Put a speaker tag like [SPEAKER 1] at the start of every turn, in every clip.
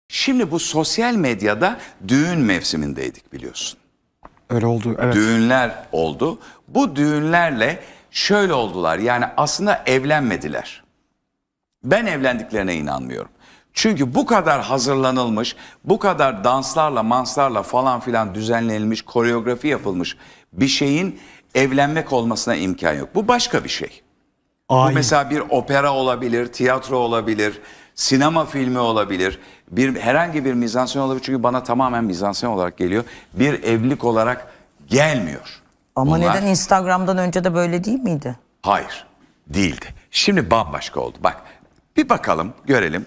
[SPEAKER 1] Şimdi bu sosyal medyada düğün mevsimindeydik biliyorsun.
[SPEAKER 2] Öyle oldu, evet.
[SPEAKER 1] Düğünler oldu. Bu düğünlerle şöyle oldular. Yani aslında evlenmediler. Ben evlendiklerine inanmıyorum. Çünkü bu kadar hazırlanılmış, bu kadar danslarla, manslarla falan filan düzenlenilmiş, koreografi yapılmış bir şeyin evlenmek olmasına imkan yok. Bu başka bir şey. Bu mesela bir opera olabilir, tiyatro olabilir, sinema filmi olabilir, herhangi bir mizansen olabilir. Çünkü bana tamamen mizansen olarak geliyor. Bir evlilik olarak gelmiyor.
[SPEAKER 3] Ama
[SPEAKER 1] Bunlar,
[SPEAKER 3] neden Instagram'dan önce de böyle değil miydi?
[SPEAKER 1] hayır, değildi. Şimdi bambaşka oldu. Bak, bir bakalım, görelim.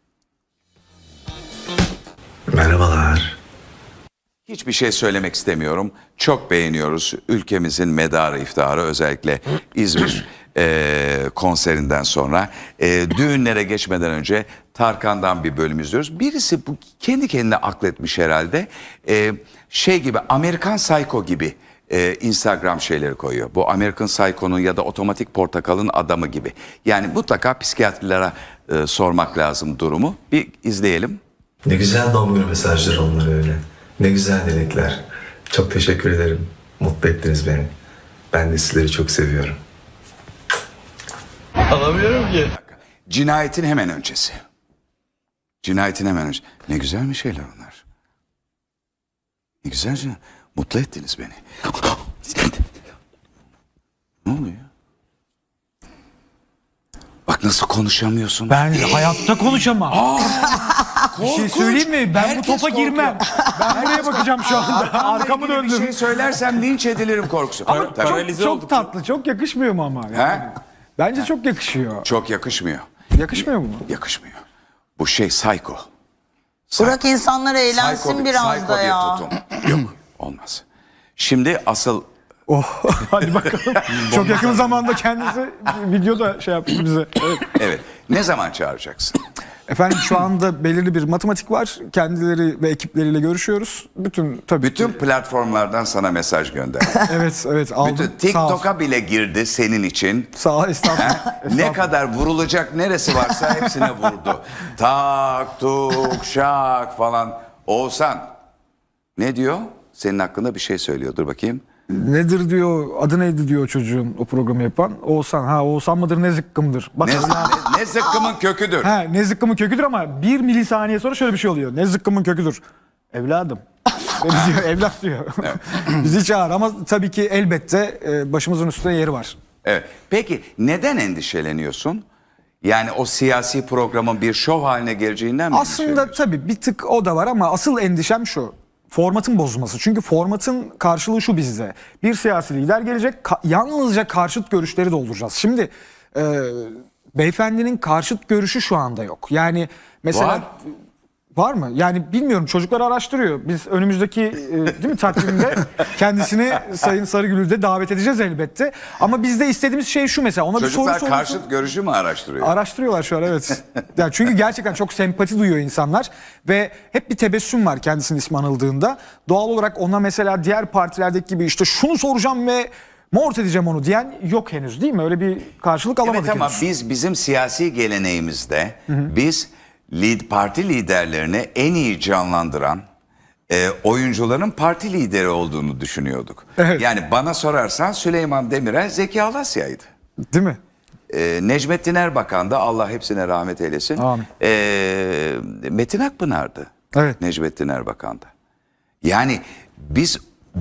[SPEAKER 4] Merhabalar.
[SPEAKER 1] Hiçbir şey söylemek istemiyorum. Çok beğeniyoruz ülkemizin medarı iftiharı, özellikle İzmir konserinden sonra. Düğünlere geçmeden önce Tarkan'dan bir bölüm izliyoruz. Birisi bu kendi kendine akletmiş herhalde. Şey gibi, Amerikan Psycho gibi Instagram şeyleri koyuyor. Bu American Psycho'nun ya da Otomatik Portakal'ın adamı gibi. Yani mutlaka psikiyatrilere sormak lazım durumu. Bir izleyelim.
[SPEAKER 4] Ne güzel doğum günü mesajları onlar öyle. Ne güzel dilekler. Çok teşekkür ederim. Mutlu ettiniz beni. Ben de sizleri çok seviyorum.
[SPEAKER 5] Alamıyorum ki.
[SPEAKER 1] Cinayetin hemen öncesi. Cinayetin hemen önce. Ne güzel mi şeyler onlar. Ne güzel canım. Mutlu ettiniz beni. Ne oluyor? Bak nasıl konuşamıyorsun.
[SPEAKER 2] Ben hayatta konuşamam. Bir şey
[SPEAKER 1] Korkunç.
[SPEAKER 2] söyleyeyim mi? Ben bu
[SPEAKER 1] Herkes
[SPEAKER 2] topa girmem. Ben buraya bakacağım şu anda. Arkamı
[SPEAKER 1] Bir
[SPEAKER 2] döndüm.
[SPEAKER 1] şey söylersem linç edilirim korkusu.
[SPEAKER 2] Ama
[SPEAKER 1] Tabii.
[SPEAKER 2] çok tatlı, çok yakışmıyor mu ama? Yani?
[SPEAKER 1] He?
[SPEAKER 2] Bence çok yakışıyor.
[SPEAKER 1] Çok yakışmıyor.
[SPEAKER 2] Yakışmıyor mu?
[SPEAKER 1] Yakışmıyor. Bu şey psycho.
[SPEAKER 3] Bırak insanlar eğlensin biraz da
[SPEAKER 1] bir
[SPEAKER 3] ya.
[SPEAKER 1] tutum. Yok, olmaz. Şimdi asıl
[SPEAKER 2] Oh, hadi bakalım. Çok yakın zamanda kendisi videoda şey yaptı bize. Evet.
[SPEAKER 1] evet. Ne zaman çağıracaksın?
[SPEAKER 2] Efendim şu anda belirli bir matematik var. Kendileri ve ekipleriyle görüşüyoruz.
[SPEAKER 1] Bütün platformlardan sana mesaj gönder.
[SPEAKER 2] Evet aldım.
[SPEAKER 1] Bütün TikTok'a bile girdi senin için.
[SPEAKER 2] Sağ ol, estağfurullah.
[SPEAKER 1] Ne
[SPEAKER 2] Estağfurullah.
[SPEAKER 1] kadar vurulacak neresi varsa hepsine vurdu. Tak, tuk, şak falan. Oğuzhan ne diyor? Senin hakkında bir şey söylüyor. Dur bakayım.
[SPEAKER 2] Nedir diyor, adı neydi diyor çocuğun o programı yapan. Oğuzhan, Oğuzhan mıdır ne zıkkımdır. Bak,
[SPEAKER 1] Ne zıkkımın köküdür.
[SPEAKER 2] ne zıkkımın köküdür ama 1 milisaniye sonra şöyle bir şey oluyor. Ne zıkkımın köküdür. Evladım. Diyor, evlat diyor. Bizi çağır ama tabii ki elbette başımızın üstünde yeri var.
[SPEAKER 1] Evet. Peki neden endişeleniyorsun? Yani o siyasi programın bir şov haline geleceğinden mi
[SPEAKER 2] Aslında
[SPEAKER 1] endişeleniyorsun?
[SPEAKER 2] tabii bir tık o da var ama asıl endişem şu. Formatın bozulması. Çünkü formatın karşılığı şu bizde. Bir siyasi lider gelecek, yalnızca karşıt görüşleri dolduracağız. Şimdi beyefendinin karşıt görüşü şu anda yok. Yani mesela... Var mı? Yani bilmiyorum, çocuklar araştırıyor. Biz önümüzdeki değil mi takvimde kendisini Sayın Sarıgül'ü de davet edeceğiz elbette. Ama bizde istediğimiz şey şu mesela. Ona
[SPEAKER 1] Çocuklar
[SPEAKER 2] bir soru
[SPEAKER 1] karşıt görüşü mü araştırıyor?
[SPEAKER 2] Araştırıyorlar şu an, evet. Yani çünkü gerçekten çok sempati duyuyor insanlar ve hep bir tebessüm var kendisinin ismi anıldığında. Doğal olarak ona mesela diğer partilerdeki gibi işte şunu soracağım ve mort edeceğim onu diyen yok henüz, değil mi? Öyle bir karşılık alamadık
[SPEAKER 1] Evet ama
[SPEAKER 2] henüz.
[SPEAKER 1] bizim siyasi geleneğimizde biz parti liderlerini en iyi canlandıran oyuncuların parti lideri olduğunu düşünüyorduk.
[SPEAKER 2] Evet.
[SPEAKER 1] Yani bana sorarsan Süleyman Demirel Zeki Alasya'ydı.
[SPEAKER 2] Değil mi?
[SPEAKER 1] Necmettin Erbakan da Allah hepsine rahmet eylesin.
[SPEAKER 2] Amin.
[SPEAKER 1] Metin Akpınar'dı.
[SPEAKER 2] Evet.
[SPEAKER 1] Necmettin Erbakan'da. Yani biz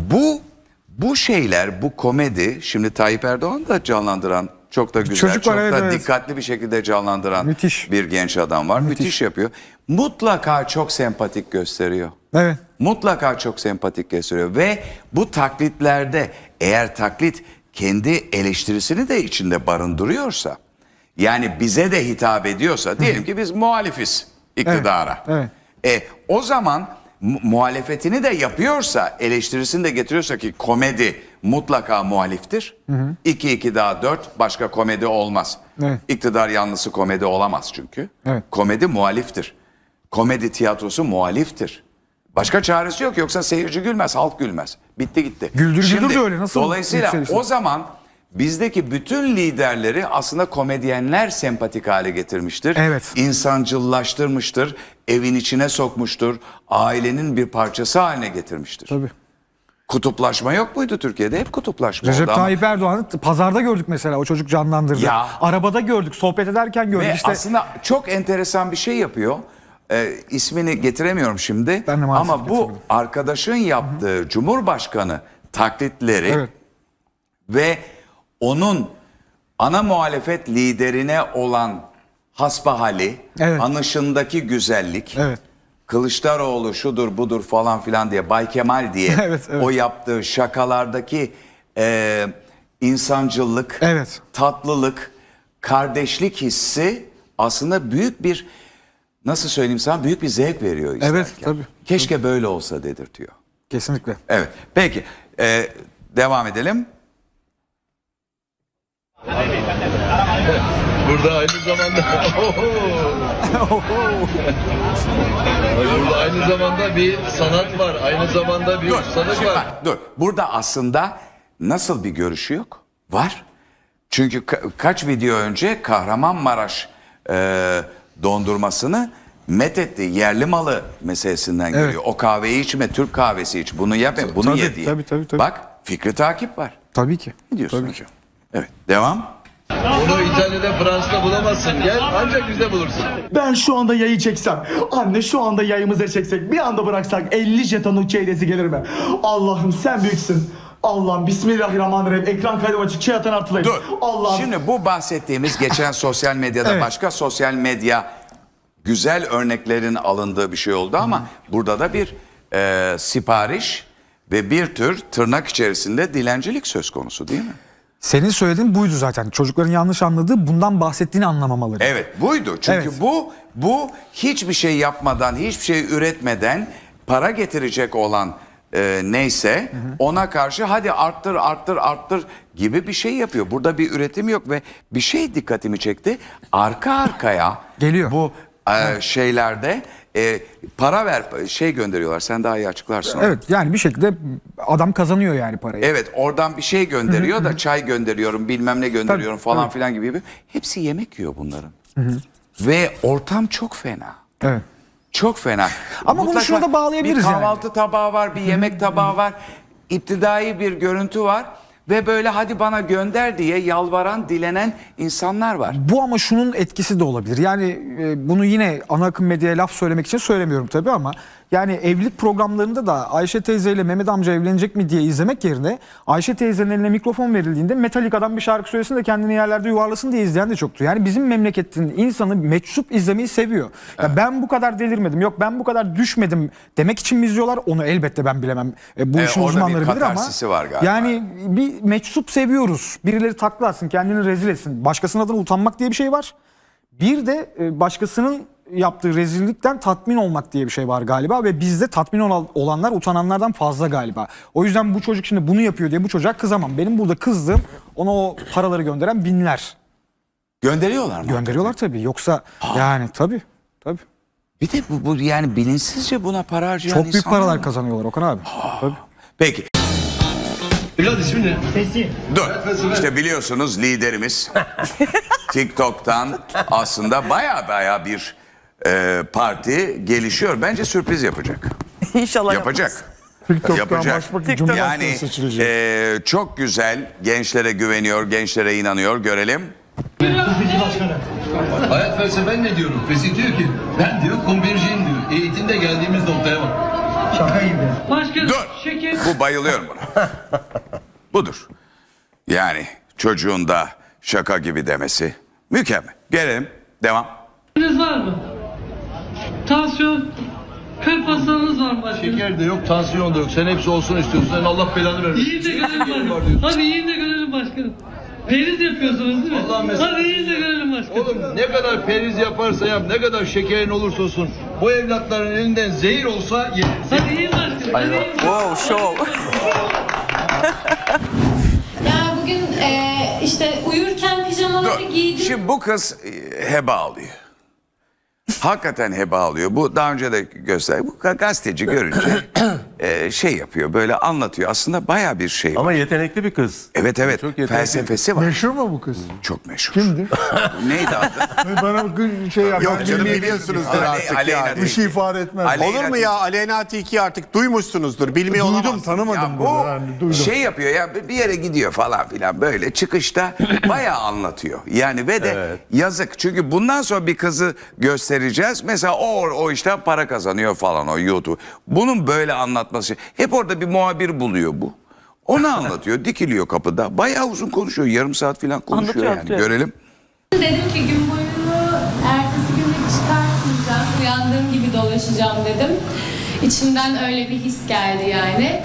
[SPEAKER 1] bu şeyler, bu komedi, şimdi Tayyip Erdoğan da canlandıran çok da güzel,
[SPEAKER 2] Çocuk var,
[SPEAKER 1] çok
[SPEAKER 2] evet,
[SPEAKER 1] da
[SPEAKER 2] evet.
[SPEAKER 1] dikkatli bir şekilde canlandıran
[SPEAKER 2] Müthiş.
[SPEAKER 1] bir genç adam var. Müthiş yapıyor. Mutlaka çok sempatik gösteriyor.
[SPEAKER 2] Evet.
[SPEAKER 1] Mutlaka çok sempatik gösteriyor ve bu taklitlerde eğer taklit kendi eleştirisini de içinde barındırıyorsa, yani bize de hitap ediyorsa, diyelim ki biz muhalifiz iktidara.
[SPEAKER 2] Evet.
[SPEAKER 1] O zaman muhalefetini de yapıyorsa, eleştirisini de getiriyorsa ki komedi mutlaka muhaliftir. 2-2 daha 4, başka komedi olmaz.
[SPEAKER 2] Evet.
[SPEAKER 1] İktidar yanlısı komedi olamaz çünkü.
[SPEAKER 2] Evet.
[SPEAKER 1] Komedi muhaliftir. Komedi tiyatrosu muhaliftir. Başka çaresi yok, yoksa seyirci gülmez, halk gülmez. Bitti gitti.
[SPEAKER 2] Güldür de öyle, nasıl
[SPEAKER 1] Dolayısıyla
[SPEAKER 2] yükselirsin?
[SPEAKER 1] o zaman bizdeki bütün liderleri aslında komedyenler sempatik hale getirmiştir.
[SPEAKER 2] Evet.
[SPEAKER 1] İnsancıllaştırmıştır, evin içine sokmuştur, ailenin bir parçası haline getirmiştir.
[SPEAKER 2] Tabii.
[SPEAKER 1] Kutuplaşma yok muydu Türkiye'de? Hep kutuplaşma
[SPEAKER 2] Recep
[SPEAKER 1] oldu ama-
[SPEAKER 2] Tayyip Erdoğan'ı pazarda gördük mesela, o çocuk canlandırdı.
[SPEAKER 1] Ya.
[SPEAKER 2] Arabada gördük, sohbet ederken gördük.
[SPEAKER 1] Ve
[SPEAKER 2] İşte
[SPEAKER 1] aslında çok enteresan bir şey yapıyor. İsmini getiremiyorum şimdi.
[SPEAKER 2] Ben de maalesef
[SPEAKER 1] ama bu
[SPEAKER 2] getiremedim.
[SPEAKER 1] arkadaşın yaptığı Cumhurbaşkanı taklitleri
[SPEAKER 2] Evet.
[SPEAKER 1] ve onun ana muhalefet liderine olan hasbahali,
[SPEAKER 2] Evet.
[SPEAKER 1] anışındaki güzellik,
[SPEAKER 2] Evet.
[SPEAKER 1] Kılıçdaroğlu şudur budur falan filan diye, Bay Kemal diye
[SPEAKER 2] Evet, evet.
[SPEAKER 1] o yaptığı şakalardaki insancıllık,
[SPEAKER 2] Evet.
[SPEAKER 1] tatlılık, kardeşlik hissi aslında büyük bir, nasıl söyleyeyim sana, büyük bir zevk veriyor izlerken.
[SPEAKER 2] Evet, tabii.
[SPEAKER 1] Keşke böyle olsa dedirtiyor.
[SPEAKER 2] kesinlikle.
[SPEAKER 1] Evet, peki devam edelim.
[SPEAKER 5] Burada aynı zamanda burada aynı zamanda bir sanat var. Aynı zamanda bir
[SPEAKER 1] Dur,
[SPEAKER 5] ustalık
[SPEAKER 1] şimdi
[SPEAKER 5] var.
[SPEAKER 1] bak, dur. Burada aslında nasıl bir görüşü yok? Var. Çünkü kaç video önce Kahramanmaraş dondurmasını methetti. Yerli malı meselesinden
[SPEAKER 2] Evet.
[SPEAKER 1] geliyor. O kahveyi içme, Türk kahvesi iç. Bunu yap, bunu
[SPEAKER 2] Tabii,
[SPEAKER 1] ye diye.
[SPEAKER 2] tabii.
[SPEAKER 1] Bak, fikri takip var.
[SPEAKER 2] Tabii ki.
[SPEAKER 1] Ne diyorsun
[SPEAKER 2] Tabii
[SPEAKER 1] hocam? Evet, devam.
[SPEAKER 5] Bunu İtalya'da, Fransa'da bulamazsın. Gel ancak bizde bulursun.
[SPEAKER 6] Ben şu anda yayı çeksem, anne şu anda yayımızı çeksek, bir anda bıraksak 50 jetonluk çeyresi gelir mi? Allah'ım sen büyüksün. Allah'ım bismillahirrahmanirrahim. Ekran kaydım açık, şey atan artılayım.
[SPEAKER 1] Dur.
[SPEAKER 6] Allah'ım.
[SPEAKER 1] Şimdi bu bahsettiğimiz geçen sosyal medyada
[SPEAKER 2] Evet.
[SPEAKER 1] başka sosyal medya güzel örneklerin alındığı bir şey oldu ama burada da bir sipariş ve bir tür tırnak içerisinde dilencilik söz konusu değil mi?
[SPEAKER 2] Senin söylediğin buydu zaten. Çocukların yanlış anladığı, bundan bahsettiğini anlamamaları.
[SPEAKER 1] Evet, buydu. Çünkü
[SPEAKER 2] Evet.
[SPEAKER 1] bu hiçbir şey yapmadan, hiçbir şey üretmeden para getirecek olan neyse ona karşı hadi arttır gibi bir şey yapıyor. Burada bir üretim yok ve bir şey dikkatimi çekti. Arka arkaya
[SPEAKER 2] Geliyor.
[SPEAKER 1] bu şeylerde para ver şey gönderiyorlar. Sen daha iyi açıklarsın. onu.
[SPEAKER 2] Evet, yani bir şekilde adam kazanıyor yani parayı.
[SPEAKER 1] Evet, oradan bir şey gönderiyor da çay gönderiyorum, bilmem ne gönderiyorum
[SPEAKER 2] Tabii,
[SPEAKER 1] falan
[SPEAKER 2] tabii.
[SPEAKER 1] filan gibi. Hepsi yemek yiyor bunların. Ve ortam çok fena.
[SPEAKER 2] Evet.
[SPEAKER 1] Çok fena.
[SPEAKER 2] Ama bunu şuna da bağlayabiliriz
[SPEAKER 1] Bir
[SPEAKER 2] yani.
[SPEAKER 1] kahvaltı tabağı var, bir yemek tabağı var. İptidai bir görüntü var. Ve böyle hadi bana gönder diye yalvaran, dilenen insanlar var.
[SPEAKER 2] Bu ama şunun etkisi de olabilir. Yani bunu yine ana akım medyaya laf söylemek için söylemiyorum tabii ama yani evlilik programlarında da Ayşe teyzeyle Mehmet amca evlenecek mi diye izlemek yerine Ayşe teyzenin eline mikrofon verildiğinde Metallica'dan bir şarkı söylesin de kendini yerlerde yuvarlasın diye izleyen de çoktu. Yani bizim memleketin insanı meczup izlemeyi seviyor. Ya ben bu kadar delirmedim, yok ben bu kadar düşmedim demek için mi izliyorlar? Onu elbette ben bilemem. Bu işin
[SPEAKER 1] orada bir
[SPEAKER 2] uzmanları bilir ama
[SPEAKER 1] katarsisi var galiba.
[SPEAKER 2] yani bir meczup seviyoruz. Birileri takla atsın, kendini rezil etsin. Başkasının adına utanmak diye bir şey var. Bir de başkasının yaptığı rezillikten tatmin olmak diye bir şey var galiba ve bizde tatmin olanlar utananlardan fazla galiba. O yüzden bu çocuk şimdi bunu yapıyor diye bu çocuğa kızamam. Benim burada kızdığım ona o paraları gönderen binler.
[SPEAKER 1] Gönderiyorlar mı?
[SPEAKER 2] Gönderiyorlar tabii. Yoksa yani tabii.
[SPEAKER 1] Bir de bu yani bilinçsizce buna para harcayan
[SPEAKER 2] Çok büyük
[SPEAKER 1] insanlar
[SPEAKER 2] paralar
[SPEAKER 1] var.
[SPEAKER 2] kazanıyorlar Okan abi. Tabii.
[SPEAKER 1] Peki.
[SPEAKER 5] Evlat ismin ne?
[SPEAKER 1] Dur. İşte biliyorsunuz liderimiz TikTok'tan aslında baya bir parti gelişiyor. Bence sürpriz yapacak.
[SPEAKER 7] İnşallah
[SPEAKER 1] Yapacak.
[SPEAKER 2] TikTok'tan
[SPEAKER 1] Yapacak.
[SPEAKER 2] başbakan,
[SPEAKER 1] Yani
[SPEAKER 2] Cumhurbaşkanı seçilecek.
[SPEAKER 1] çok güzel, gençlere güveniyor, gençlere inanıyor. Görelim.
[SPEAKER 5] Hayat felsefen ne diyorum? Fesih diyor ki ben diyor kumbirciyim diyor. Eğitimde geldiğimiz noktaya bak.
[SPEAKER 1] Dur. Bu bayılıyorum buna. Budur. Yani çocuğun da şaka gibi demesi mükemmel. Gelelim. Devam.
[SPEAKER 8] Var mı? Tansiyon, kalp hastalığınız var mı başkanım?
[SPEAKER 5] Şeker de yok, tansiyon da yok. Sen hepsi olsun istiyorsun. Sen Allah belanı vermesin.
[SPEAKER 8] İyi de görelim
[SPEAKER 5] Var
[SPEAKER 8] başkanım.
[SPEAKER 5] diyorsun.
[SPEAKER 8] Hadi iyi de görelim başkanım. Periz yapıyorsunuz değil mi?
[SPEAKER 5] Allah'ım mesela-
[SPEAKER 8] Hadi iyi de görelim başkanım.
[SPEAKER 5] Oğlum ne kadar periz yaparsa yap, ne kadar şekerin olursa olsun bu evlatların elinden zehir olsa yenir.
[SPEAKER 8] Hadi iyi başkanım. Hadi iyi.
[SPEAKER 7] Wow, show.
[SPEAKER 9] Yani bugün işte uyurken pijamaları
[SPEAKER 1] Dur.
[SPEAKER 9] giydim.
[SPEAKER 1] Şimdi bu kız heba alıyor. Hakikaten heba alıyor. Bu daha önce de gösterdi. Bu gazeteci görünce şey yapıyor, böyle anlatıyor. Aslında baya bir şey var.
[SPEAKER 7] Ama yetenekli bir kız.
[SPEAKER 1] Evet evet,
[SPEAKER 7] Çok yetenekli.
[SPEAKER 1] felsefesi var.
[SPEAKER 2] Meşhur mu bu kız?
[SPEAKER 1] Çok meşhur.
[SPEAKER 2] Kimdir?
[SPEAKER 1] Neydi adı?
[SPEAKER 2] Bana şey yap.
[SPEAKER 10] Yok canım, biliyorsunuzdur artık
[SPEAKER 1] Aleyna
[SPEAKER 10] ya.
[SPEAKER 1] Tilki.
[SPEAKER 2] Bir şey ifade etmez.
[SPEAKER 1] Aleyna
[SPEAKER 10] Olur mu ya? Aleyna Tilki artık duymuşsunuzdur. Bilmiyor
[SPEAKER 2] Duydum,
[SPEAKER 10] olamazsınız.
[SPEAKER 2] tanımadım
[SPEAKER 1] Ya
[SPEAKER 2] bunu.
[SPEAKER 1] bu
[SPEAKER 2] Yani, duydum.
[SPEAKER 1] şey yapıyor ya, bir yere gidiyor falan filan, böyle çıkışta bayağı anlatıyor. Yani ve de yazık, çünkü bundan sonra bir kızı göstereceğiz. Mesela o işten para kazanıyor falan, o YouTube. Bunun böyle anlatması. Hep orada bir muhabir buluyor bu. Onu anlatıyor, dikiliyor kapıda. Bayağı uzun konuşuyor, yarım saat falan konuşuyor yani. Görelim.
[SPEAKER 9] Dedim ki gün boyunu ertesi günde çıkartmayacağım. Uyandığım gibi dolaşacağım dedim. İçimden öyle bir his geldi yani.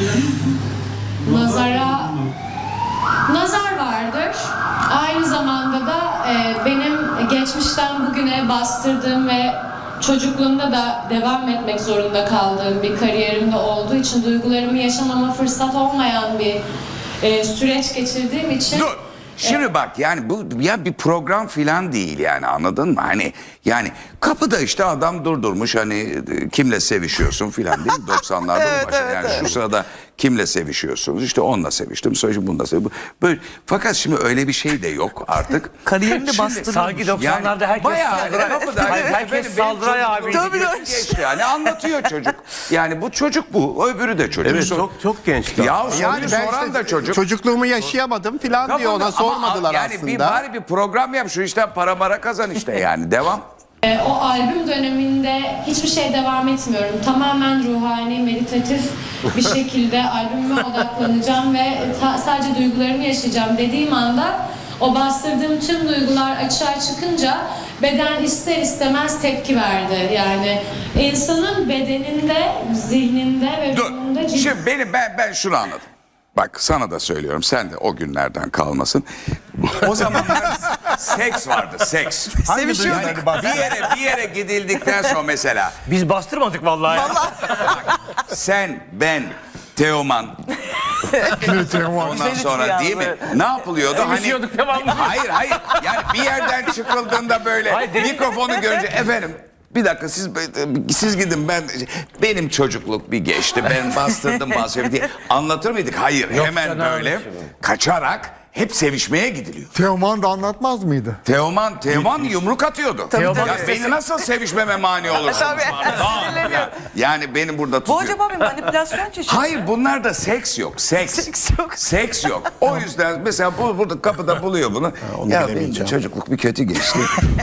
[SPEAKER 9] Nazar vardır. Aynı zamanda da benim geçmişten bugüne bastırdığım ve çocukluğumda da devam etmek zorunda kaldığım bir kariyerimde olduğu için duygularımı yaşamama fırsat olmayan bir süreç geçirdiğim için...
[SPEAKER 1] Dur. Şimdi bak, yani bu ya bir program filan değil yani, anladın mı? Hani yani kapıda işte adam durdurmuş, hani kimle sevişiyorsun filan değil mi? 90'larda bu başladı. Yani şu sırada kimle sevişiyorsunuz? İşte onunla seviştim, sonra şimdi bununla seviştim. Böyle, fakat şimdi öyle bir şey de yok artık.
[SPEAKER 11] Kariyerini de
[SPEAKER 1] Şimdi
[SPEAKER 11] bastırıyor.
[SPEAKER 7] Sanki 90'larda herkes
[SPEAKER 1] bayağı
[SPEAKER 7] Saldıray.
[SPEAKER 1] kapıda,
[SPEAKER 7] Hayır, herkes
[SPEAKER 1] benim
[SPEAKER 7] Saldıray
[SPEAKER 1] çocukluğum
[SPEAKER 7] abiydi.
[SPEAKER 1] geçti yani, anlatıyor çocuk. Yani bu çocuk bu, öbürü de çocuk.
[SPEAKER 7] Evet, çok genç.
[SPEAKER 1] Ya
[SPEAKER 10] Yani
[SPEAKER 1] soruyu
[SPEAKER 10] ben
[SPEAKER 1] soran
[SPEAKER 10] işte
[SPEAKER 1] da çocuk.
[SPEAKER 10] çocukluğum yaşayamadım filan diyor. Ona
[SPEAKER 1] Ama
[SPEAKER 10] sormadılar
[SPEAKER 1] yani
[SPEAKER 10] aslında.
[SPEAKER 1] bir bari bir program yap, şu işten para kazan işte yani, devam.
[SPEAKER 9] O albüm döneminde hiçbir şey devam etmiyorum. Tamamen ruhani, meditatif bir şekilde albümüme odaklanacağım ve sadece duygularımı yaşayacağım dediğim anda o bastırdığım tüm duygular açığa çıkınca beden ister istemez tepki verdi. Yani insanın bedeninde, zihninde ve
[SPEAKER 1] Dur.
[SPEAKER 9] ruhunda
[SPEAKER 1] Şimdi ben şunu anladım. Bak sana da söylüyorum, sen de o günlerden kalmasın. O zamanlar seks vardı, seks.
[SPEAKER 11] Sevişiyorduk.
[SPEAKER 1] Bir yere gidildikten sonra mesela
[SPEAKER 7] Biz bastırmadık vallahi.
[SPEAKER 1] sen, ben, Teoman, ondan sonra değil mi? Ne yapılıyordu?
[SPEAKER 7] Sevişiyorduk devamlı.
[SPEAKER 1] Hayır. Yani bir yerden çıkıldığında böyle
[SPEAKER 7] Hayır,
[SPEAKER 1] mikrofonu görünce efendim bir dakika siz gidin, benim çocukluk bir geçti, ben bastırdım diye anlatır mıydık? Hayır, hemen böyle kaçarak hep sevişmeye gidiliyor.
[SPEAKER 2] Teoman da anlatmaz mıydı?
[SPEAKER 1] Teoman yumruk atıyordu. Ya beni nasıl sevişmeme mani olursunuz?
[SPEAKER 11] Sinirleniyor.
[SPEAKER 1] Yani beni burada
[SPEAKER 11] Bu
[SPEAKER 1] tutuyor.
[SPEAKER 11] acaba bir manipülasyon çeşidi.
[SPEAKER 1] Hayır, bunlarda seks yok.
[SPEAKER 11] Seks yok.
[SPEAKER 1] Seks yok. O yüzden mesela burada kapıda buluyor bunu. Ya benim de çocukluk bir kötü geçti.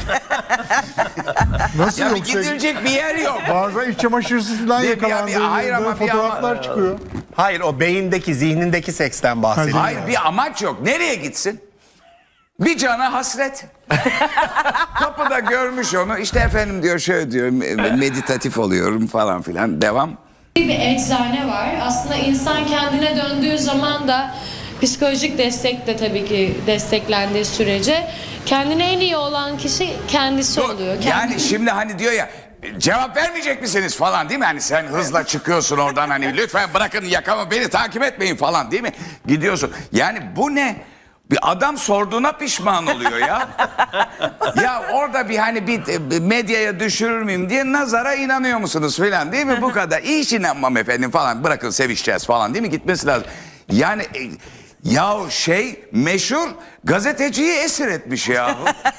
[SPEAKER 2] Nasıl
[SPEAKER 1] Ya bir
[SPEAKER 2] yok?
[SPEAKER 1] gidilecek bir yer yok.
[SPEAKER 2] Bazen iç çamaşırsız falan
[SPEAKER 1] hayır ama
[SPEAKER 2] yakalandığı fotoğraflar çıkıyor.
[SPEAKER 10] Hayır, o beyindeki, zihnindeki seksten bahsediyor.
[SPEAKER 1] Hayır, bir amaç yok. Nereye gitsin? Bir cana hasret. Kapıda görmüş onu. İşte efendim diyor, şöyle diyor, meditatif oluyorum falan filan. Devam.
[SPEAKER 9] bir eczane var. Aslında insan kendine döndüğü zaman da psikolojik destek de tabii ki desteklendiği sürece kendine en iyi olan kişi kendisi oluyor.
[SPEAKER 1] Yani şimdi hani diyor ya, cevap vermeyecek misiniz falan değil mi? Hani sen hızla çıkıyorsun oradan, hani lütfen bırakın yakamı, beni takip etmeyin falan değil mi? Gidiyorsun. Yani bu ne? Bir adam sorduğuna pişman oluyor ya. Ya orada bir hani bir medyaya düşürür müyüm diye nazara inanıyor musunuz falan değil mi? Bu kadar. Hiç inanmam efendim falan. Bırakın sevişeceğiz falan değil mi? Gitmesi lazım. Yani ya meşhur gazeteciyi esir etmiş ya.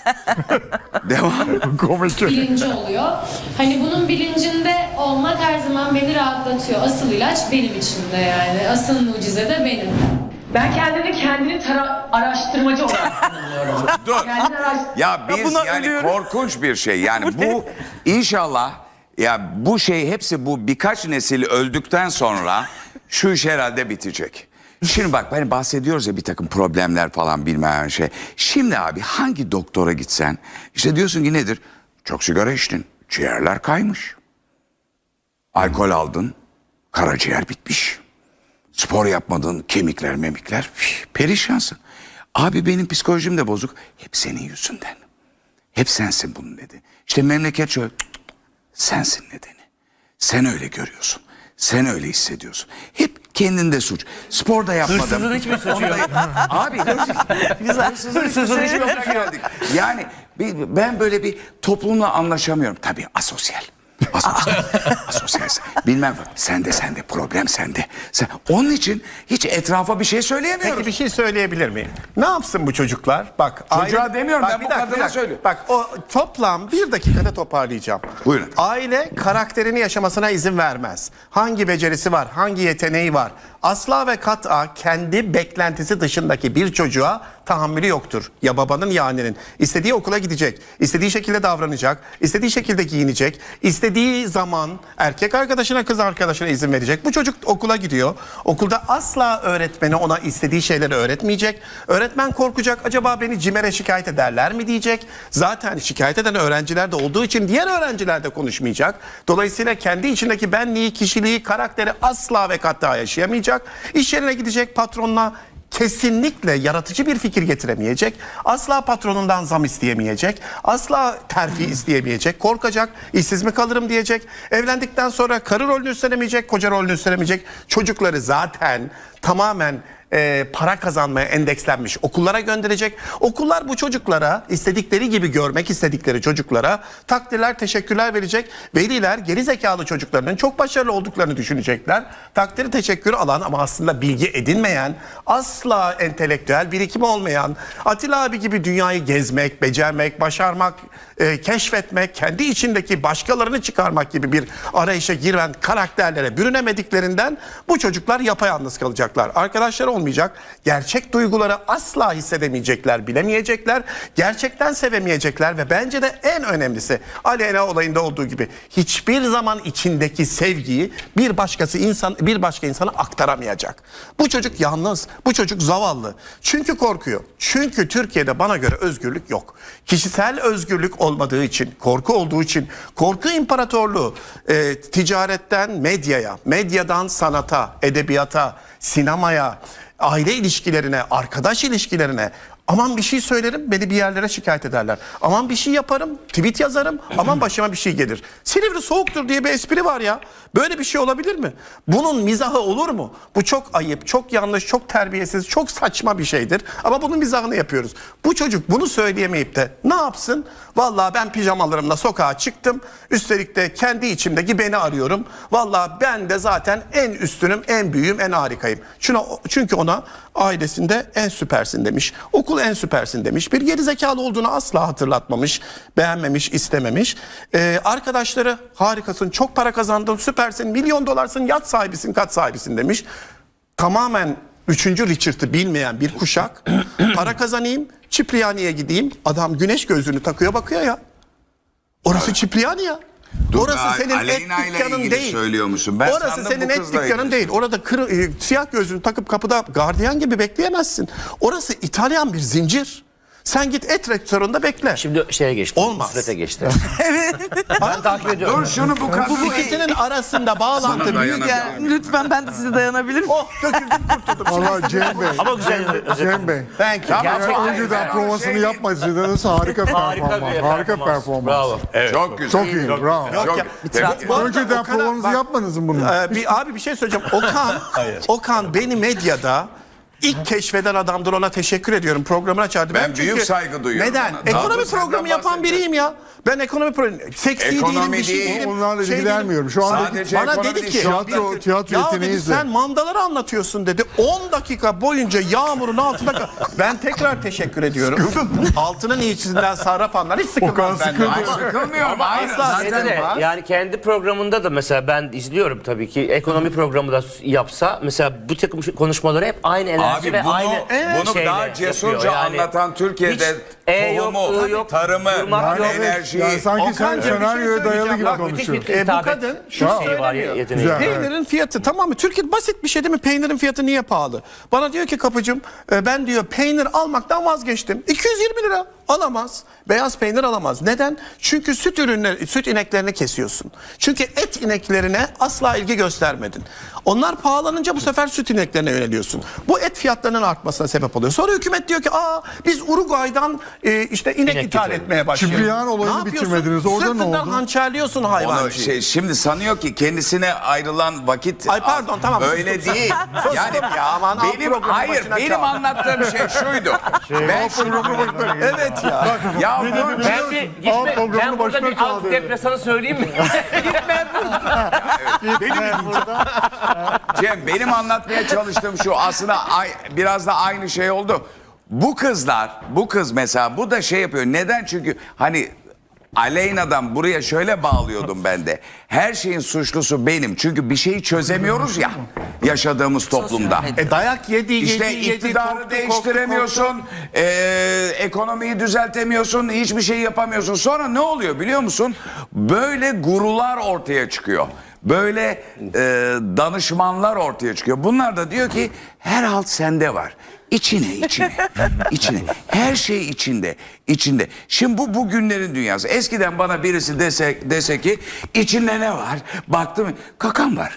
[SPEAKER 1] Devam.
[SPEAKER 9] bilinci oluyor. Hani bunun bilincinde olmak her zaman beni rahatlatıyor. Asıl ilaç benim içimde yani. Asıl mucize de benim.
[SPEAKER 12] Ben kendini araştırmacı olarak tanımlıyorum.
[SPEAKER 1] Dur. Ya biz yani korkunç bir şey. Yani bu inşallah, ya bu şey hepsi, bu birkaç nesil öldükten sonra şu iş herhalde bitecek. Şimdi bak, hani bahsediyoruz ya bir takım problemler falan bilmem şey. Şimdi abi hangi doktora gitsen işte diyorsun ki nedir? Çok sigara içtin, ciğerler kaymış. Alkol aldın, karaciğer bitmiş. Spor yapmadın, kemikler memikler perişansın. Abi benim psikolojim de bozuk. Hep senin yüzünden. Hep sensin bunun nedeni. İşte memleket şöyle, sensin nedeni. Sen öyle görüyorsun. Sen öyle hissediyorsun. Hep kendinde suç. Sporda yapmadım.
[SPEAKER 7] Hırsızın hiçbir suçu yok.
[SPEAKER 1] Abi hırsızın hiçbir suçu yok. Yani ben böyle bir toplumla anlaşamıyorum. Tabii asosyal. Asosyalsin. Bilmem. Sende problem sende. Onun için hiç etrafa bir şey söyleyemiyorum.
[SPEAKER 10] Peki bir şey söyleyebilir miyim? Ne yapsın bu çocuklar? Bak
[SPEAKER 1] Çocuğa demiyorum, ben
[SPEAKER 10] bir
[SPEAKER 1] bu
[SPEAKER 10] dakika,
[SPEAKER 1] kadına
[SPEAKER 10] bir dakika.
[SPEAKER 1] söylüyorum.
[SPEAKER 10] Bak o toplam bir dakikada toparlayacağım.
[SPEAKER 1] Buyurun.
[SPEAKER 10] Aile karakterini yaşamasına izin vermez. Hangi becerisi var, hangi yeteneği var? Asla ve kat'a kendi beklentisi dışındaki bir çocuğa tahammülü yoktur. Ya babanın ya annenin. İstediği okula gidecek, istediği şekilde davranacak, istediği şekilde giyinecek, istediği zaman erkek arkadaşına kız arkadaşına izin verecek. Bu çocuk okula gidiyor. Okulda asla öğretmeni ona istediği şeyleri öğretmeyecek. Öğretmen korkacak. Acaba beni CİMER'e şikayet ederler mi diyecek. Zaten şikayet eden öğrenciler de olduğu için diğer öğrenciler de konuşmayacak. Dolayısıyla kendi içindeki benliği, kişiliği, karakteri asla ve kat'a yaşayamayacak. İş yerine gidecek, patronla kesinlikle yaratıcı bir fikir getiremeyecek. Asla patronundan zam isteyemeyecek. Asla terfi isteyemeyecek. Korkacak. İşsiz mi kalırım diyecek. Evlendikten sonra karı rolünü üstlenemeyecek, koca rolünü üstlenemeyecek. Çocukları zaten tamamen para kazanmaya endekslenmiş okullara gönderecek. Okullar bu çocuklara istedikleri gibi görmek istedikleri çocuklara takdirler, teşekkürler verecek. Veliler geri zekalı çocuklarının çok başarılı olduklarını düşünecekler. Takdiri, teşekkür alan ama aslında bilgi edinmeyen, asla entelektüel birikimi olmayan, Atilla abi gibi dünyayı gezmek, becermek, başarmak, keşfetmek, kendi içindeki başkalarını çıkarmak gibi bir arayışa giren karakterlere bürünemediklerinden bu çocuklar yapayalnız kalacaklar. Arkadaşları olmayacak. Gerçek duyguları asla hissedemeyecekler, bilemeyecekler. Gerçekten sevemeyecekler ve bence de en önemlisi Aleyna olayında olduğu gibi hiçbir zaman içindeki sevgiyi bir başka insana aktaramayacak. Bu çocuk yalnız, bu çocuk zavallı. Çünkü korkuyor. Çünkü Türkiye'de bana göre özgürlük yok. Kişisel özgürlük olmadığı için, korku olduğu için, korku imparatorluğu ticaretten medyaya, medyadan sanata, edebiyata, sinemaya, aile ilişkilerine, arkadaş ilişkilerine, aman bir şey söylerim beni bir yerlere şikayet ederler. Aman bir şey yaparım, tweet yazarım, aman başıma bir şey gelir. Silivri soğuktur diye bir espri var ya. Böyle bir şey olabilir mi? Bunun mizahı olur mu? Bu çok ayıp, çok yanlış, çok terbiyesiz, çok saçma bir şeydir. Ama bunun mizahını yapıyoruz. Bu çocuk bunu söyleyemeyip de ne yapsın? Vallahi ben pijamalarımla sokağa çıktım. Üstelik de kendi içimdeki beni arıyorum. Vallahi ben de zaten en üstünüm, en büyüğüm, en harikayım. Çünkü ona ailesinde en süpersin demiş. Okul en süpersin demiş. Bir gerizekalı olduğunu asla hatırlatmamış, beğenmemiş, istememiş. Arkadaşları harikasın, çok para kazandın, süpersin, milyon dolarsın, yat sahibisin, kat sahibisin demiş. Tamamen 3. Richard'ı bilmeyen bir kuşak. Para kazanayım, Cipriani'ye gideyim. Adam güneş gözlüğünü takıyor, bakıyor ya. Orası Cipriani ya. Orası senin et
[SPEAKER 1] Aleyna ile
[SPEAKER 10] dükkanın
[SPEAKER 1] ilgili
[SPEAKER 10] değil.
[SPEAKER 1] söylüyor musun? Ben
[SPEAKER 10] Orası
[SPEAKER 1] sandım
[SPEAKER 10] senin
[SPEAKER 1] bu
[SPEAKER 10] et
[SPEAKER 1] kızla
[SPEAKER 10] dükkanın
[SPEAKER 1] ilgili.
[SPEAKER 10] değil. Orada siyah gözlüğünü takıp kapıda gardiyan gibi bekleyemezsin. Orası İtalyan bir zincir. Sen git et restoranında bekle.
[SPEAKER 7] Şimdi şeye geçti.
[SPEAKER 10] Olmaz.
[SPEAKER 7] Nusret'e geçti. Ben takip ediyorum.
[SPEAKER 1] Dur şunu bu kadın.
[SPEAKER 10] Bu ikisinin arasında bağlantı büyük.
[SPEAKER 1] dayanamıyorum.
[SPEAKER 11] Lütfen ben de size dayanabilirim.
[SPEAKER 10] Oh döküldüm kurtuldum.
[SPEAKER 13] Valla Cem Bey.
[SPEAKER 7] Ama güzel.
[SPEAKER 13] Cem Bey.
[SPEAKER 10] Thank you.
[SPEAKER 7] Gerçekten.
[SPEAKER 13] Önceden provasını yapmasaydınız harika performans. Harika performans.
[SPEAKER 7] Bravo.
[SPEAKER 1] Çok güzel.
[SPEAKER 13] Çok iyi. Bravo.
[SPEAKER 10] Yok ya. Bu arada
[SPEAKER 13] Önceden
[SPEAKER 10] Okan'a-
[SPEAKER 13] provanızı
[SPEAKER 10] bak,
[SPEAKER 13] yapmadınız mı bunu?
[SPEAKER 10] Abi bir şey söyleyeceğim. Okan beni medyada ilk keşfeden adamdır, ona teşekkür ediyorum. Programını açardı.
[SPEAKER 1] Ben büyük saygı duyuyorum
[SPEAKER 10] Neden?
[SPEAKER 1] ona. Daha
[SPEAKER 10] Ekonomi
[SPEAKER 1] da senden
[SPEAKER 10] programı yapan
[SPEAKER 1] bahsedeceğim.
[SPEAKER 10] biriyim ya. Ben ekonomi programı, seksi
[SPEAKER 1] Ekonomi
[SPEAKER 10] değilim, bir şey
[SPEAKER 1] değil.
[SPEAKER 10] değilim.
[SPEAKER 13] Onlarla
[SPEAKER 10] şey
[SPEAKER 13] ilgilenmiyorum.
[SPEAKER 10] değilim.
[SPEAKER 13] Şu anda
[SPEAKER 1] Sadece
[SPEAKER 10] bana
[SPEAKER 1] ekonomi
[SPEAKER 10] dedi
[SPEAKER 1] değil,
[SPEAKER 10] ki
[SPEAKER 13] tiyatro
[SPEAKER 10] ya dedi,
[SPEAKER 13] yeteneğinizle.
[SPEAKER 10] sen mandaları anlatıyorsun dedi. 10 dakika boyunca yağmurun altında ben tekrar teşekkür ediyorum. Altının iyisinden sarrafanlar hiç sıkılmaz benden.
[SPEAKER 1] Ay, sıkılmıyorum. Hayır.
[SPEAKER 10] Zaten var.
[SPEAKER 7] Yani kendi programında da mesela ben izliyorum tabii ki ekonomi programı da yapsa mesela bu takım konuşmaları hep aynı enerji
[SPEAKER 1] Abi
[SPEAKER 7] ve aynı
[SPEAKER 1] bunu
[SPEAKER 7] şeyle
[SPEAKER 1] daha cesurca
[SPEAKER 7] yapıyor. Yani
[SPEAKER 1] anlatan Türkiye'de
[SPEAKER 7] hiç yok,
[SPEAKER 1] tohumu,
[SPEAKER 7] yok,
[SPEAKER 1] tarımı,
[SPEAKER 7] durmak yok.
[SPEAKER 1] enerjiyi.
[SPEAKER 13] Yani sanki sen
[SPEAKER 10] Okan'cığım, bir şey
[SPEAKER 13] senaryoya dayalı gibi
[SPEAKER 10] söyleyeceğim. Bak,
[SPEAKER 7] Müthiş
[SPEAKER 13] konuşuyor.
[SPEAKER 7] bir
[SPEAKER 10] bu
[SPEAKER 7] hitabet
[SPEAKER 10] kadın şu
[SPEAKER 7] şeyi var,
[SPEAKER 10] söylemiyor.
[SPEAKER 7] yeteneği.
[SPEAKER 13] Güzel.
[SPEAKER 10] Peynirin fiyatı tamam mı? Türkiye basit bir şey değil mi? Peynirin fiyatı niye pahalı? Bana diyor ki kapıcım ben diyor peynir almaktan vazgeçtim. 220 lira alamaz. Beyaz peynir alamaz. Neden? Çünkü süt ineklerini kesiyorsun. Çünkü et ineklerine asla ilgi göstermedin. Onlar pahalanınca bu sefer süt ineklerine yöneliyorsun. Bu et fiyatlarının artmasına sebep oluyor. Sonra hükümet diyor ki biz Uruguay'dan işte inek
[SPEAKER 7] İnek
[SPEAKER 10] ithal
[SPEAKER 7] ithal.
[SPEAKER 10] etmeye başlıyor.
[SPEAKER 13] Kibriyan olayını
[SPEAKER 10] Ne yapıyorsun?
[SPEAKER 13] bitirmediniz. Orada ne
[SPEAKER 10] Sırtından
[SPEAKER 13] oldu?
[SPEAKER 10] hançerliyorsun
[SPEAKER 1] Onu
[SPEAKER 10] hayvancıyı.
[SPEAKER 1] şimdi sanıyor ki kendisine ayrılan vakit
[SPEAKER 10] Ay pardon, tamam,
[SPEAKER 1] öyle
[SPEAKER 10] sustum.
[SPEAKER 1] değil.
[SPEAKER 10] Sustum
[SPEAKER 1] Yani
[SPEAKER 10] ya, aman, al
[SPEAKER 1] benim
[SPEAKER 10] programın
[SPEAKER 1] hayır
[SPEAKER 10] başına
[SPEAKER 1] benim
[SPEAKER 10] çal.
[SPEAKER 1] anlattığım şey şuydu. Ben şimdi
[SPEAKER 10] Evet ya.
[SPEAKER 1] ya
[SPEAKER 7] Ben bir gitme, ben burada bir antidepresanı söyleyeyim mi?
[SPEAKER 1] Cem benim anlatmaya çalıştığım şu aslında biraz da aynı şey oldu. Bu kız mesela bu da şey yapıyor. Neden? Çünkü hani Aleyna'dan buraya şöyle bağlıyordum ben de. Her şeyin suçlusu benim. Çünkü bir şeyi çözemiyoruz ya yaşadığımız toplumda.
[SPEAKER 10] Dayak yedi.
[SPEAKER 1] İşte iktidarı değiştiremiyorsun, ekonomiyi düzeltemiyorsun, hiçbir şey yapamıyorsun. Sonra ne oluyor biliyor musun? Böyle gurular ortaya çıkıyor. Böyle danışmanlar ortaya çıkıyor. Bunlar da diyor ki her halt sende var. İçine. Her şey içinde. Şimdi bu bugünlerin dünyası. Eskiden bana birisi dese ki içinde ne var? Baktım kakam var.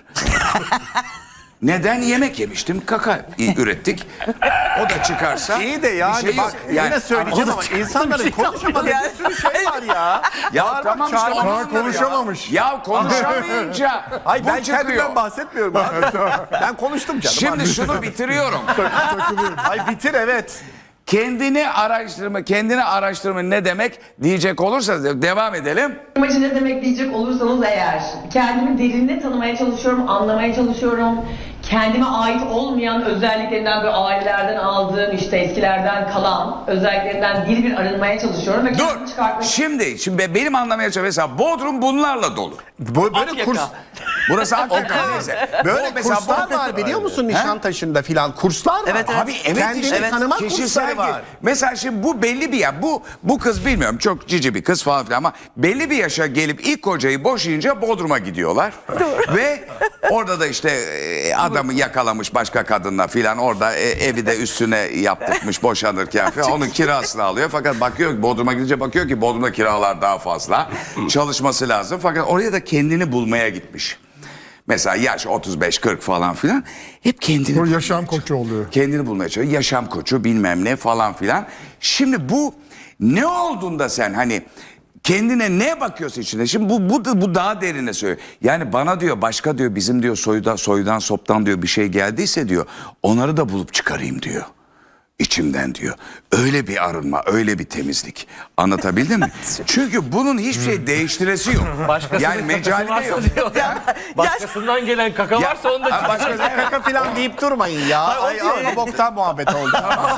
[SPEAKER 1] Neden? Yemek yemiştim. Kaka ürettik. O da çıkarsa.
[SPEAKER 10] İyi de yani
[SPEAKER 1] bir şey
[SPEAKER 10] bak
[SPEAKER 1] yok.
[SPEAKER 10] yine söyleyeceğim ama insanların konuşamadığı bir sürü şey var ya.
[SPEAKER 1] Ya tamam işte onu
[SPEAKER 13] Daha
[SPEAKER 1] anladım
[SPEAKER 13] konuşamamış.
[SPEAKER 1] Ya konuşamayınca
[SPEAKER 10] Hayır
[SPEAKER 1] bu
[SPEAKER 10] ben
[SPEAKER 1] çıkıyor.
[SPEAKER 10] kendimden bahsetmiyorum abi. Ben konuştum canım.
[SPEAKER 1] Şimdi şunu bitiriyorum.
[SPEAKER 10] Ay bitir evet.
[SPEAKER 1] Kendini araştırma ne demek diyecek olursa devam edelim.
[SPEAKER 12] Amacı ne demek diyecek olursanız eğer, kendimi derinine tanımaya çalışıyorum, anlamaya çalışıyorum. Kendime ait olmayan özelliklerinden, böyle ailelerden aldığım, işte eskilerden kalan özelliklerinden bir arınmaya çalışıyorum ve kendimi
[SPEAKER 1] Dur.
[SPEAKER 12] çıkartmaya
[SPEAKER 1] Şimdi benim anlamaya çalışıyorum. Mesela Bodrum bunlarla dolu.
[SPEAKER 10] Böyle kurs
[SPEAKER 1] Burası Akyaka neyse.
[SPEAKER 10] böyle
[SPEAKER 1] mesela
[SPEAKER 10] kurslar
[SPEAKER 1] Bodrum-
[SPEAKER 10] var biliyor musun Nişantaşı'nda filan kurslar var.
[SPEAKER 11] Evet, evet.
[SPEAKER 1] Abi evet
[SPEAKER 10] Kendini
[SPEAKER 1] işte
[SPEAKER 10] tanıma
[SPEAKER 1] kişisel
[SPEAKER 10] kursları var.
[SPEAKER 1] Mesela şimdi bu belli bir ya bu kız bilmiyorum çok cici bir kız falan filan ama belli bir yaşa gelip ilk kocayı boşayınca Bodrum'a gidiyorlar. Ve orada da işte adamı yakalamış başka kadınla filan orada evi de üstüne yaptırmış boşanırken falan onun kirasını alıyor. Fakat bakıyor ki Bodrum'a gidince bakıyor ki Bodrum'da kiralar daha fazla. Çalışması lazım fakat oraya da kendini bulmaya gitmiş. Mesela yaş 35-40 falan filan hep kendini
[SPEAKER 13] O yaşam koçu oluyor.
[SPEAKER 1] kendini bulmaya çalışıyor. Yaşam koçu bilmem ne falan filan. Şimdi bu ne olduğunda sen hani kendine ne bakıyorsun içinde? Şimdi bu daha derine söylüyor. Yani bana diyor başka diyor bizim diyor soydan soptan diyor bir şey geldiyse diyor onları da bulup çıkarayım diyor. İçimden diyor. Öyle bir arınma, öyle bir temizlik. Anlatabildim mi? Çünkü bunun hiçbir şey değiştiresi yok.
[SPEAKER 7] Başkasının
[SPEAKER 1] Yani
[SPEAKER 7] kakası
[SPEAKER 1] mecali de
[SPEAKER 7] varsa
[SPEAKER 1] yok.
[SPEAKER 7] diyor. Başkasından gelen kaka varsa onu da
[SPEAKER 1] Ha, başka
[SPEAKER 10] Kaka filan deyip durmayın ya. Ay bu boktan muhabbet oldu.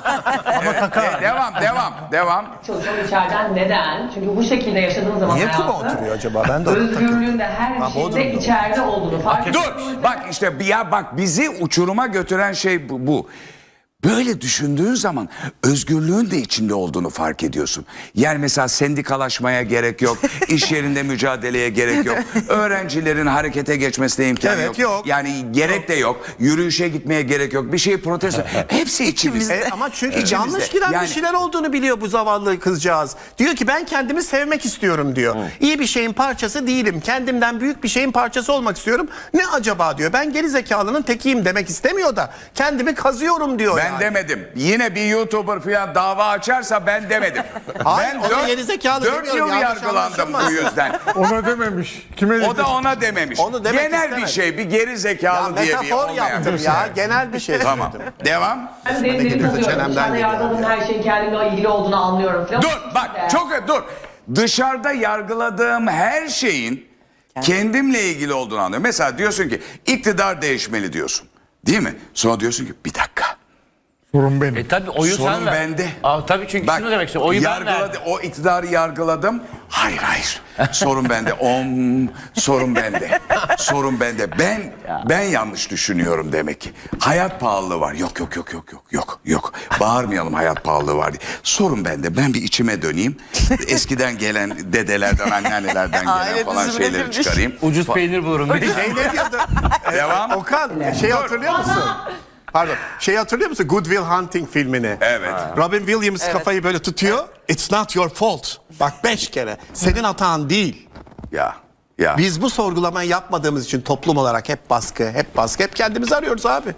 [SPEAKER 1] Devam.
[SPEAKER 12] çalışıyorum içeriden. Neden? Çünkü bu şekilde yaşadığım zaman
[SPEAKER 10] Niye kuma
[SPEAKER 12] hayatı,
[SPEAKER 10] oturuyor acaba? Ben de orada takılıyorum.
[SPEAKER 12] özgürlüğün de her şeyde
[SPEAKER 10] Bodrum'da.
[SPEAKER 12] içeride olduğunu fark
[SPEAKER 1] Dur
[SPEAKER 12] ediyorum.
[SPEAKER 1] bak işte bak bizi uçuruma götüren şey bu. Böyle düşündüğün zaman özgürlüğün de içinde olduğunu fark ediyorsun. Yani mesela sendikalaşmaya gerek yok, iş yerinde mücadeleye gerek yok, öğrencilerin harekete geçmesine imkan
[SPEAKER 10] Evet,
[SPEAKER 1] yok.
[SPEAKER 10] yok.
[SPEAKER 1] Yani gerek de yok, yürüyüşe gitmeye gerek yok, bir şeyi protesto. Hepsi içimizde.
[SPEAKER 10] Ama çünkü
[SPEAKER 1] İçimizde.
[SPEAKER 10] yanlış giden
[SPEAKER 1] Yani-
[SPEAKER 10] bir şeyler olduğunu biliyor bu zavallı kızcağız. Diyor ki ben kendimi sevmek istiyorum diyor. İyi bir şeyin parçası değilim. Kendimden büyük bir şeyin parçası olmak istiyorum. Ne acaba diyor. Ben geri zekalının tekiyim demek istemiyor da kendimi kazıyorum diyor.
[SPEAKER 1] Ben demedim. Yine bir YouTuber falan dava açarsa ben demedim.
[SPEAKER 10] Hayır,
[SPEAKER 1] ben
[SPEAKER 10] ona geri zekalı
[SPEAKER 1] 4
[SPEAKER 10] demiyorum,
[SPEAKER 1] yıl
[SPEAKER 10] yanlış
[SPEAKER 1] yargılandım bu
[SPEAKER 10] anlaşılmasın.
[SPEAKER 1] yüzden.
[SPEAKER 13] Ona dememiş. Kime dedi?
[SPEAKER 1] O da ona dememiş.
[SPEAKER 10] Onu demek
[SPEAKER 1] Genel
[SPEAKER 10] istemedi.
[SPEAKER 1] bir şey, bir geri
[SPEAKER 10] Ya
[SPEAKER 1] zekalı diye bir
[SPEAKER 10] metafor
[SPEAKER 1] olmayan
[SPEAKER 10] yaptım
[SPEAKER 1] bir şey.
[SPEAKER 10] ya. Genel bir şey
[SPEAKER 1] Tamam.
[SPEAKER 10] söyledim.
[SPEAKER 1] Devam.
[SPEAKER 12] Ben derin tanıyorum.
[SPEAKER 10] çenemden
[SPEAKER 12] İçeride
[SPEAKER 10] geliyor.
[SPEAKER 12] yargıladığım her şeyin kendimle ilgili olduğunu anlıyorum falan.
[SPEAKER 1] Dur bak dur. Dışarıda yargıladığım her şeyin kendimle ilgili olduğunu anlıyorum. Mesela diyorsun ki iktidar değişmeli diyorsun. Değil mi? Sonra diyorsun ki bir dakika.
[SPEAKER 13] Sorun benim.
[SPEAKER 7] Tabii oyu
[SPEAKER 1] Sorun
[SPEAKER 7] sen ver.
[SPEAKER 1] bende.
[SPEAKER 7] Tabii çünkü şunu demek istiyorum. Oyu ben verdim.
[SPEAKER 1] O iktidarı yargıladım. Hayır. Sorun bende. Sorun bende. Sorun bende. Ben yanlış düşünüyorum demek ki. Hayat pahalılığı var. Yok. Bağırmayalım hayat pahalılığı var diye. Sorun bende. Ben bir içime döneyim. Eskiden gelen dedelerden, anneannelerden gelen
[SPEAKER 11] Aile
[SPEAKER 1] falan
[SPEAKER 11] düzümüne
[SPEAKER 1] şeyleri
[SPEAKER 11] girmiş.
[SPEAKER 1] çıkarayım.
[SPEAKER 7] Ucuz peynir bulurum. Bir de
[SPEAKER 10] Şey ne diyordu?
[SPEAKER 1] Devam.
[SPEAKER 10] Okan şey hatırlıyor musun? Pardon. Şey hatırlıyor musun? Good Will Hunting filmini.
[SPEAKER 1] Evet.
[SPEAKER 10] Robin Williams kafayı böyle tutuyor. It's not your fault. Bak 5 kere. Senin hatan değil.
[SPEAKER 1] Ya.
[SPEAKER 10] Biz bu sorgulamayı yapmadığımız için toplum olarak hep baskı, hep kendimizi arıyoruz abi.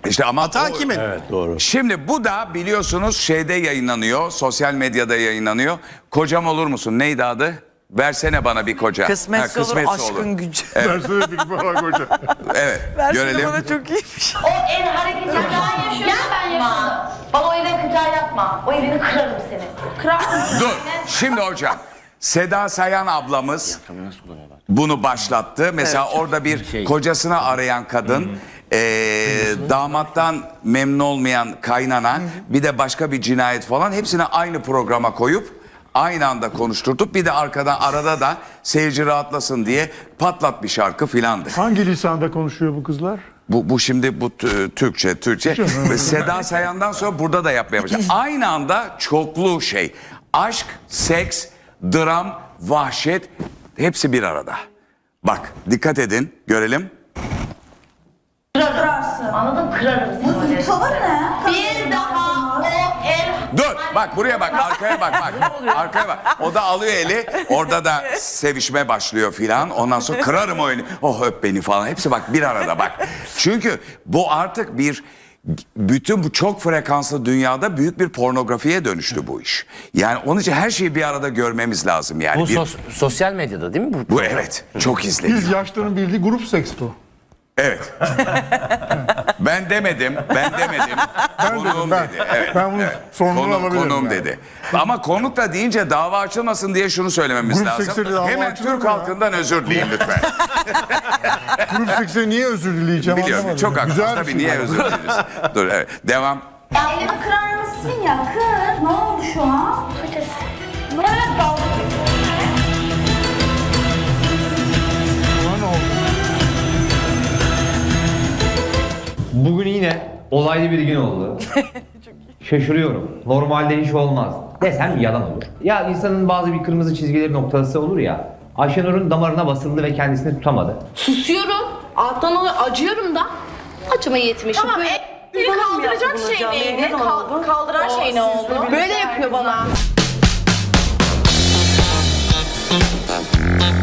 [SPEAKER 1] İşte ama
[SPEAKER 10] Hata kimin?
[SPEAKER 1] Şimdi bu da biliyorsunuz şeyde yayınlanıyor, sosyal medyada yayınlanıyor. Kocam olur musun? Neydi adı? Versene bana bir koca.
[SPEAKER 11] Kısmetse olur, aşkın gücü.
[SPEAKER 13] Versene bir bana koca.
[SPEAKER 1] Evet,
[SPEAKER 11] Versene
[SPEAKER 1] görelim.
[SPEAKER 11] bana çok iyiymiş.
[SPEAKER 12] O ev hareketinden yapma. Bana o evden kıtar yapma. O evini kırarım seni. Kırar mısın?
[SPEAKER 1] Dur, şimdi hocam. Seda Sayan ablamız bunu başlattı. Mesela orada bir kocasını arayan kadın, damattan memnun olmayan kaynana, bir de başka bir cinayet falan hepsini aynı programa koyup aynı anda konuşturtup bir de arada da seyirci rahatlasın diye patlat bir şarkı filandı.
[SPEAKER 13] Hangi lisanda konuşuyor bu kızlar?
[SPEAKER 1] Bu şimdi bu Türkçe ve Seda Sayan'dan sonra burada da yapmaya başladı. Aynı anda çoklu şey. Aşk, seks, dram, vahşet hepsi bir arada. Bak dikkat edin görelim.
[SPEAKER 12] Kırarsın. Anladın? Kırarım seni.
[SPEAKER 11] Tavır ne?
[SPEAKER 12] Bir daha o ev...
[SPEAKER 1] Dur bak buraya bak arkaya bak arkaya bak. O da alıyor eli orada da sevişme başlıyor filan. Ondan sonra kırarım o eli. Oh öp beni falan hepsi bak bir arada bak. Çünkü bu artık bütün bu çok frekanslı dünyada büyük bir pornografiye dönüştü bu iş. Yani onun için her şeyi bir arada görmemiz lazım yani.
[SPEAKER 7] Bu sosyal medyada değil mi?
[SPEAKER 1] Bu evet çok izleniyor.
[SPEAKER 13] Biz yaşlıların bildiği grup seks bu.
[SPEAKER 1] Evet. Ben demedim. Konuğum
[SPEAKER 13] ben.
[SPEAKER 1] dedi. Evet.
[SPEAKER 13] Ben bunu sorumluluğunu alabilirim
[SPEAKER 1] Konuğum
[SPEAKER 13] yani.
[SPEAKER 1] dedi. Ama konuk da deyince dava açılmasın diye şunu söylememiz
[SPEAKER 13] Grup
[SPEAKER 1] lazım.
[SPEAKER 13] seksüeli dava
[SPEAKER 1] Hemen
[SPEAKER 13] açılır
[SPEAKER 1] Türk
[SPEAKER 13] mı ya?
[SPEAKER 1] halkından özür dileyin lütfen.
[SPEAKER 13] Grup sekse niye özür dileyeceğim
[SPEAKER 1] Biliyorum.
[SPEAKER 13] anlamadım.
[SPEAKER 1] Çok haklısınız.
[SPEAKER 13] Güzel bir
[SPEAKER 1] Tabii
[SPEAKER 13] şey.
[SPEAKER 1] niye özür dileriz. Dur evet. Devam.
[SPEAKER 12] Elimi kırar mısın ya? Kır. Ne oldu şu an? Evet dalga.
[SPEAKER 14] Bugün yine olaylı bir gün oldu. Şaşırıyorum. Normalde hiç olmaz. Desem yalan olur. Ya insanın bazı bir kırmızı çizgileri noktası olur ya. Ayşenur'un damarına basıldı ve kendisini tutamadı.
[SPEAKER 12] Susuyorum. Alttan acıyorum da. Acıma yetmişim. Tamam. Beni kaldıracak şey neydi? Kaldıran şey ne oldu? Böyle yapıyor bana.